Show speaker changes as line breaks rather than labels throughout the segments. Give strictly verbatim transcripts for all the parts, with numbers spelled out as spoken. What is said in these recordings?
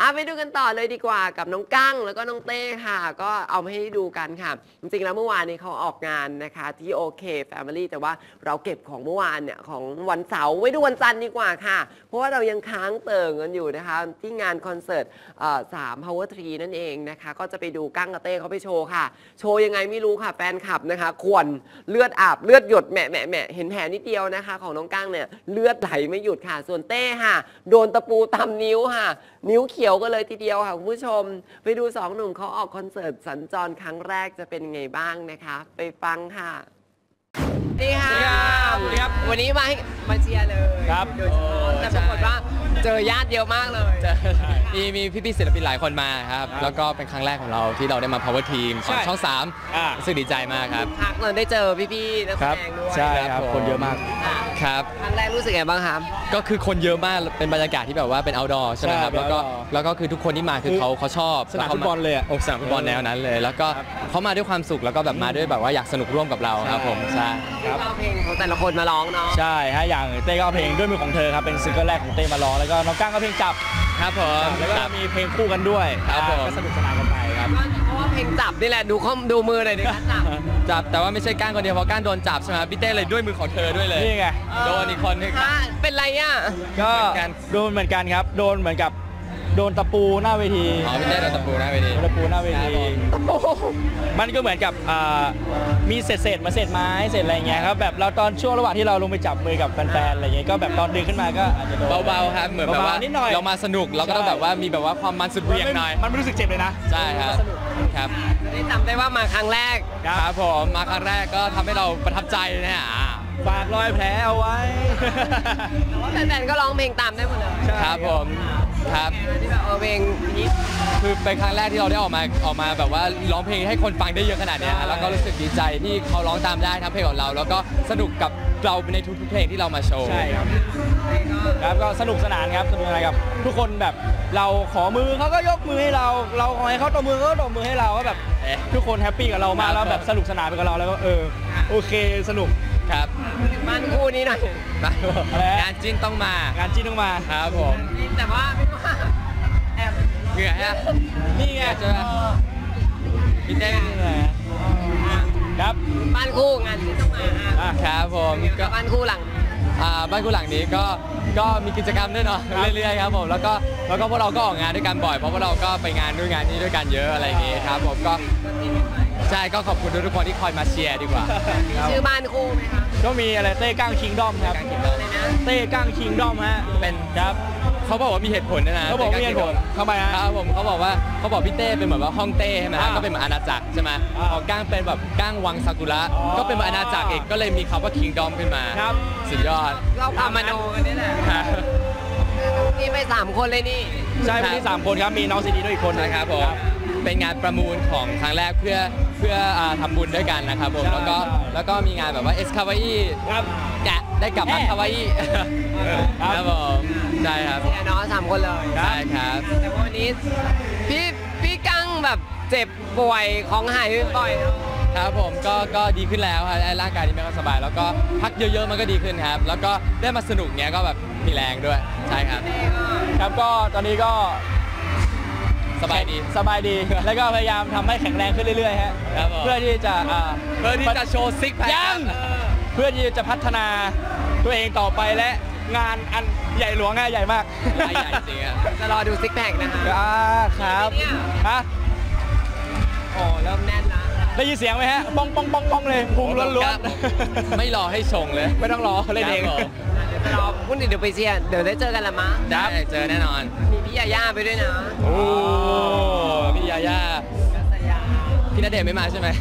เอาไปดูกันต่อเลยดีกว่ากับน้องกั้งแล้วก็น้องเต้ค่ะก็เอามาให้ดูกันค่ะจริงๆแล้วเมื่อวานนี้เขาออกงานนะคะที่โอเคแฟมิลี่แต่ว่าเราเก็บของเมื่อวานเนี่ยของวันเสาร์ไว้ดูวันจันทร์ดีกว่าค่ะเพราะว่าเรายังค้างเติ่งกันอยู่นะคะที่งานคอนเสิร์ตสาม Power ทรี นั่นเองนะคะก็จะไปดูกั้งกับเต้เขาไปโชว์ค่ะโชว์ยังไงไม่รู้ค่ะแฟนคลับนะคะขวนเลือดอาบเลือดหยดแหมะแหมะแหมะเห็นแผลนิดเดียวนะคะของน้องกั้งเนี่ยเลือดไหลไม่หยุดค่ะส่วนเต้ค่ะโดนตะปูตำนิ้วค่ะนิ้วเขียวกันเลยทีเดียวค่ะคุณผู้ชมไปดูสองหนุ่มเขาออกคอนเสิร์ตสัญจรครั้งแรกจะเป็นไงบ้างนะคะไปฟังค่ะสวัสดีค่ะสวัสดีครับวันนี้มาให้มาเชียร์เลย
ครับ
โดยเฉพาะแต่ปรากฏว่าเจอญาติเยอะมากเลย
มีมีพี่ๆศิลปินหลายคนมาครับแล้วก็เป็นครั้งแรกของเราที่เราได้มา Power Team ของช่องสามรู้สึกดีใจมากครับ
พักเราได้เจอพี่ๆนักแสดงด้วย
ใช่ครับคนเยอะมากครับ
ครั้งแรกรู้สึกไงบ้างครับ
ก็คือคนเยอะมากเป็นบรรยากาศที่แบบว่าเป็น outdoor ใช่ไหมครับแล้วก็แล้วก็คือทุกคนที่มาคือเขาเขาชอบ
สนามฟุตบอลเลยอ่ะ
สนามฟุตบอลแนวนั้นเลยแล้วก็เขามาด้วยความสุขแล้วก็แบบมาด้วยแบบว่าอยากสนุกร่วมกับเราครับผมใช่
ครับเอาเพลงของแต่ละคนมาร้องเนาะ
ใช่ฮะอย่างเต้ก็เอาเพลงด้วยมือของเธอครับเป็นซิงเกิลแรกของเต้มาร้องแล้วก็น้องก้างก็เพลงจับ
ครับผม
แล้วก็มีเพลงคู่กันด้วย
ครับผม
ก็สนุกสนานกันไปครับ
เพราะว่าเพลงจับนี่แหละดูข้อมดูมือหน่อยดิครับจับ
จับแต่ว่าไม่ใช่ก้างคนเดียวเพราะก้างโดนจับใช่ไหมพี่เต้เลยด้วยมือของเธอด้วยเลย
นี่ไง
โดนอีกคนนึง
เป็นไรอ่ะ
ก็โดนเหมือนกันครับโดนเหมือนกับโดนตะปูหน้าเวที
อ๋อพี่เต้โดนตะปูหน้าเวที
ตะปูหน้าเวทีมันก็เหมือนกับมีเศษเศษมาเศษไม้เศษอะไรเงี้ยครับแบบเราตอนช่วงระหว่างที่เราลงไปจับมือกับแฟนๆอะไรเงี้ยก็แบบตอนดึงขึ้นมาก็อาจจะ
เบาๆครับเหมือนแบบว่า
นิดหน่อย
เรามาสนุกเราก็ต้องแบบว่ามีแบบว่าความมันสุดเวียงหน่อย
มันไม่รู้สึกเจ็บเลยนะ
ใช่ครับครับ
ได้จำได้ว่ามาครั้งแรก
ครับผมมาครั้งแรกก็ทำให้เราประทับใจนะฮะ
ฝากรอยแผลเอาไว้
แต่ว่าแฟนๆก็ร้องเพลงตามได้หมดเลย
ครับผมครับ
ที่แบบเออเพลงนี้
คือเป็นครั้งแรกที่เราได้ออกมาออกมาแบบว่าร้องเพลงให้คนฟังได้เยอะขนาดนี้แล้วก็รู้สึกดีใจที่เขาร้องตามได้ทั้งเพลงของเราแล้วก็สนุกกับเราในทุกๆเพลงที่เรามาโชว์
ใช่ครับครับก็สนุกสนานครับสนุกอะไรกับทุกคนแบบเราขอมือเขาก็ยกมือให้เราเราขอให้เขาตบมือเขาก็ตบมือให้เราก็แบบทุกคนแฮปปี้กับเรามากแล้วแบบสนุกสนานไปกับเราแล้วก็เออโอเคสนุก
ครับ
บ้านคู่นี้หน่อย
งานจิ้นต้องมาง
านจิ้นต้องมา
ครับผม
แต่ว่าไม่ว่าแอบ
เหนื่อยฮะ
นี่ไง
เจอพี่เต้
ครับ
บ้านคู่งานจิ้นต้องมา
ครับผม
ก็บ้านคู่หลัง
อ่าบ้านคู่หลังนี้ก็ก็มีกิจกรรมด้วยเนาะเรื่อยๆครับผมแล้วก็แล้วก็พวกเราก็ออกงานด้วยกันบ่อยเพราะพวกเราก็ไปงานด้วยงานนี้ด้วยกันเยอะอะไรอย่างงี้ครับผมก็ใช่ก็ขอบคุณทุกคนที่คอยมาเชียร์ดีกว่า
ชื่อบ้านคู่ไหมครับ
ก็มีอะไรเต้ก้างคิงดอมครับเต้ก้างคิงดอมฮะ
เป็นครับเขาบอกว่ามีเหตุผลนะ
เขาบอกมีเหตุผลทำไมฮะ
ครับผมเขาบอกว่าเขาบอกพี่เต้เป็นเหมือนว่าห้องเต้ใช่ไหมก็เป็นเหมือนอาณาจักรใช่ไหมพอก้างเป็นแบบก้างวังซากุระก็เป็นเหมือนอาณาจักรเองก็เลยมีคำว่าคิงดอมขึ้นมาสุดยอด
เราพามาโนกันนี่แหละนี่ไปสามคนเลยนี่
ใช่วันนี้สามคนครับมีน้องซีดีด้วยอีกคน
นะครับผมเป็นงานประมูลของครั้งแรกเพื่อเพื่อทำบุญด้วยกันนะครับผมแล้วก็แล้วก็มีงานแบบว่าเอสคาวาอีแกะได้กลับมาคาวาอีครับผมใช่ครับ
เนี่ยน้องสามคนเลย
ใช่ครับ
แต่วันนี้พี่พี่กังแบบเจ็บป่วยของหายบ่อย
ครับผมก็ก็ดีขึ้นแล้วครับร่างกายที่ไม่ค่อยสบายแล้วก็พักเยอะๆมันก็ดีขึ้นครับแล้วก็ได้มาสนุกเนี้ยก็แบบมีแรงด้วยใช่ครับ
ครับก็ตอนนี้ก็
สบายดี
สบายดีแล้วก็พยายามทำให้แข็งแรงขึ้นเรื่อยๆฮะเพื่อที่จะ
เพื่อที่จะโชว์ซิกแพค
ยังเพื่อที่จะพัฒนาตัวเองต่อไปและงานอันใหญ่หลวงใหญ่มาก
ใหญ่จริงอ่ะ
จะรอดูซิกแพคนะคะ
ครับฮะ
โอ้เริ่มแน่นแล้ว
ได้ยินเสียงไหมฮะป้องป้องป้องป้องเลยพุงล้วน
ๆไม่รอให้ชงเลย
ไม่ต้องรอเล่นเอง
รอพุ่นเดี๋ยวไปเชียร์เดี๋ยวได้เจอกันละมั้ง
ได้เจอแน่นอน
มีพี่ยาย่าไปด้วยนะ
โอ้พี่ยาย่าพี่ณเดชน์ไม่มาใช่ไหม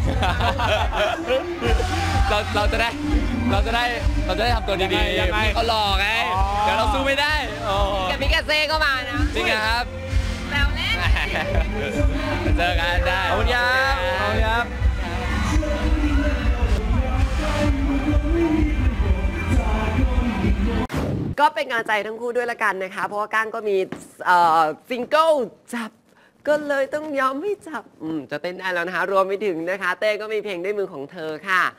เราเราจะได้เราจะได้เราจะได้ทำตัวดีๆยังไงเขาหลอกไงเดี๋ยวเราสู้ไม่ได้
กับมิกาเซ่ก็มานะ
จริงครับ
แล้วเล่น
เจอกันได้
ขอบคุณครับขอบคุณครับ
ก็เป็นกำลังใจทั้งคู่ด้วยละกันนะคะเพราะว่าก้างก็มีซิงเกิลจับก็เลยต้องยอมให้จับจะเต้นได้แล้วนะคะรวมไปถึงนะคะเต้ก็มีเพลงด้วยมือของเธอค่ะ